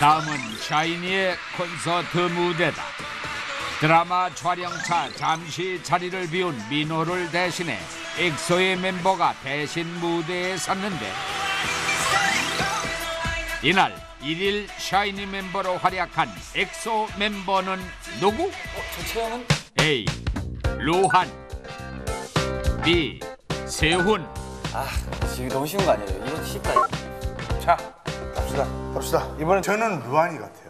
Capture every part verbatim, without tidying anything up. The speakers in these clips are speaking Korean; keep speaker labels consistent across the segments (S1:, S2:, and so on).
S1: 다음은 샤이니의 콘서트 무대다. 드라마 촬영차 잠시 자리를 비운 민호를 대신해 엑소의 멤버가 대신 무대에 섰는데 이날 일일 샤이니 멤버로 활약한 엑소 멤버는 누구?
S2: 어, 저 체형은?
S1: A. 로한 B. 세훈
S2: 아, 이거 너무 쉬운 거 아니에요? 이거 쉽다 이거.
S3: 자, 갑시다.
S4: 갑시다.
S3: 이번엔
S4: 저는 루안이 같아요.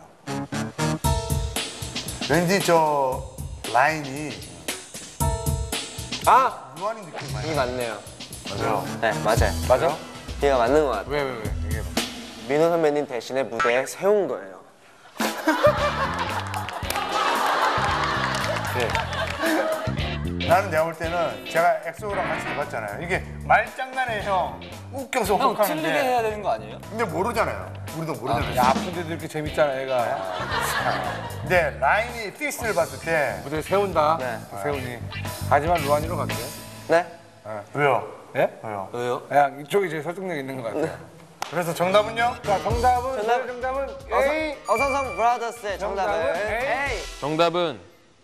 S4: 왠지 저 라인이
S2: 아!
S4: 루안이 느낌 많이
S2: 이게 맞네요.
S4: 맞아요.
S2: 네, 맞아요.
S3: 맞아?
S2: 얘가 맞는 것 같아요.
S3: 왜, 왜, 왜? 얘기해봐.
S2: 민호 선배님 대신에 무대에 세운 거예요.
S4: 나는 내가 볼 때는 제가 엑소랑 같이 해봤잖아요. 이게 말장난에 형 웃겨서
S2: 형,
S4: 혹하는데
S2: 틀리게 해야 되는 거 아니에요?
S4: 근데 모르잖아요. 우리도 모르잖아요.
S3: 야, 아픈데도 이렇게 재밌잖아, 얘가.
S4: 근데 라인이 피스를 봤을 때
S3: 무대 세운다.
S2: 네.
S3: 세훈이. 하지만 루안이로 갈게요.
S2: 네?
S4: 왜요?
S3: 예?
S4: 왜요?
S2: 왜요?
S3: 그냥 이쪽이 제일 설득력 있는 것 같아요.
S4: 그래서 정답은요?
S3: 자, 정답은,
S2: 정답.
S3: 오늘 정답은
S2: 어성,
S3: A.
S2: 어성성 브라더스의 정답은
S3: 정답은 A.
S2: A.
S5: 정답은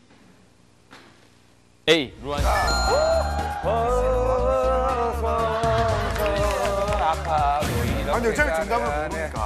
S5: A. 루안이.
S3: 아파 보이는
S4: 아니 어차피 정답을 모르니까.